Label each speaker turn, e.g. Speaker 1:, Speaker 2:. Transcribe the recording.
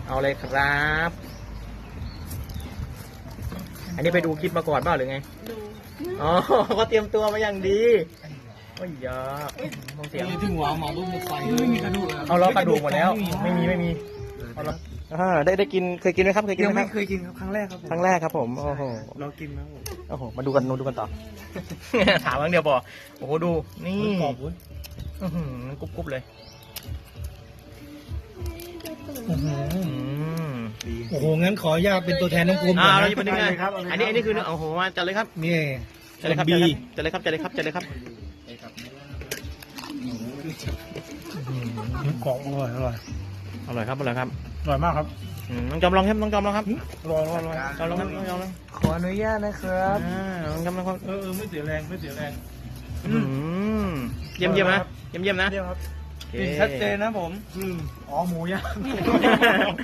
Speaker 1: เอาเลยครับ อันนี้ไปดูคลิปมาก่อนเปล่าหรือไง
Speaker 2: ดู
Speaker 1: อ๋อ ก็เตรียมตัวมาอย่างดีโอ้ยยาเสียง
Speaker 3: ถึงหัวหมอรูปไฟไม่มีกระดูก
Speaker 1: เอาล้อกระดูกหมดแล้ว ไม่มีเอาล้อได้กินเคยกินไหมครับเคยกิน
Speaker 3: ยัง
Speaker 1: ไหม
Speaker 3: ไม่
Speaker 1: ครับ
Speaker 3: เคยกินครับครั้งแรกครับผม
Speaker 1: ครั้งแรกครับผมโอ้โห
Speaker 3: เรากินนะผม
Speaker 1: โอ้โหมาดูกันต่อ ถามครั้งเดียวพอโอ้โหดูนี่
Speaker 3: กรอบเว้ย
Speaker 1: อื้อหือกรุบเลย
Speaker 3: อื้อหือ
Speaker 1: อืม
Speaker 3: โอ้โหงั้นขออนุญาตเป็นตัวแทนน้องกลม
Speaker 1: อ่า
Speaker 3: ก่อน
Speaker 1: เรา
Speaker 3: นะ
Speaker 1: จะเป็นยังไงอันนี้คือเนื้อโอ้โหมาจัดเลยครับ
Speaker 3: นี่
Speaker 1: จัดเลยครับ
Speaker 3: บี
Speaker 1: จัดเลยครับจัดเลยครับจัดเลยครับ
Speaker 3: กรอบอร่อยอร่อย
Speaker 1: อร่อยครับอร่อยครับ
Speaker 3: อร่อยมากครับ
Speaker 1: น้องจอมลองครับน้องจอมลองครับ
Speaker 3: อร่อยอร่อย
Speaker 1: จอมลองครับน้องจอมลอง
Speaker 3: ขออนุญาตนะครับ
Speaker 1: น้องจอมลองครับ
Speaker 3: ไม่เสียแรงไม่เสียแรง
Speaker 1: เยี่ยมนะเยี่ยมนะ
Speaker 3: เยี่ยมครับ
Speaker 1: โอเค
Speaker 3: ชัดเจนนะผมอ๋อหมูย่าง